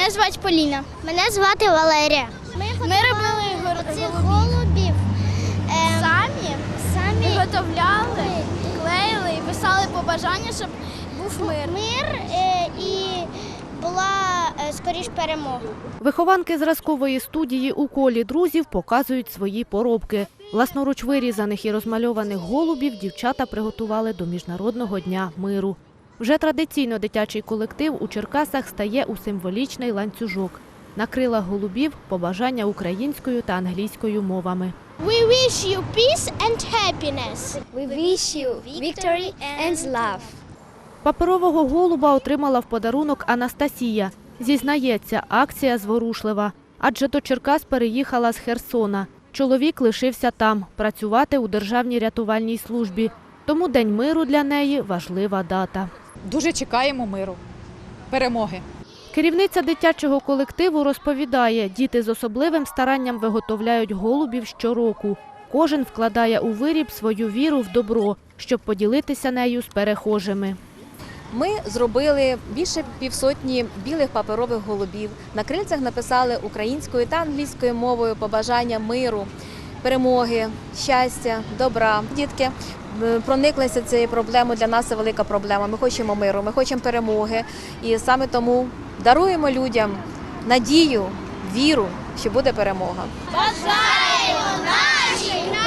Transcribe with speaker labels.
Speaker 1: Мене звати Поліна. Мене звати Валерія. Ми робили цих голубів самі виготовляли, клеїли і писали побажання, щоб був мир і була скоріш перемога.
Speaker 2: Вихованки зразкової студії у колі друзів показують свої поробки. Власноруч вирізаних і розмальованих голубів дівчата приготували до Міжнародного дня миру. Вже традиційно дитячий колектив у Черкасах стає у символічний ланцюжок. На крилах голубів – побажання українською та англійською мовами.
Speaker 1: We wish you peace and happiness.
Speaker 3: We wish you victory and love.
Speaker 2: Паперового голуба отримала в подарунок Анастасія. Зізнається, акція зворушлива. Адже до Черкас переїхала з Херсона. Чоловік лишився там, працювати у Державній рятувальній службі. Тому День миру для неї – важлива дата.
Speaker 4: Дуже чекаємо миру, перемоги.
Speaker 2: Керівниця дитячого колективу розповідає, діти з особливим старанням виготовляють голубів щороку. Кожен вкладає у виріб свою віру в добро, щоб поділитися нею з перехожими.
Speaker 5: Ми зробили більше півсотні білих паперових голубів. На крильцях написали українською та англійською мовою побажання миру, перемоги, щастя, добра. Дітки прониклися цією проблемою, для нас це велика проблема. Ми хочемо миру, ми хочемо перемоги. І саме тому даруємо людям надію, віру, що буде перемога.
Speaker 1: Бажаємо нашій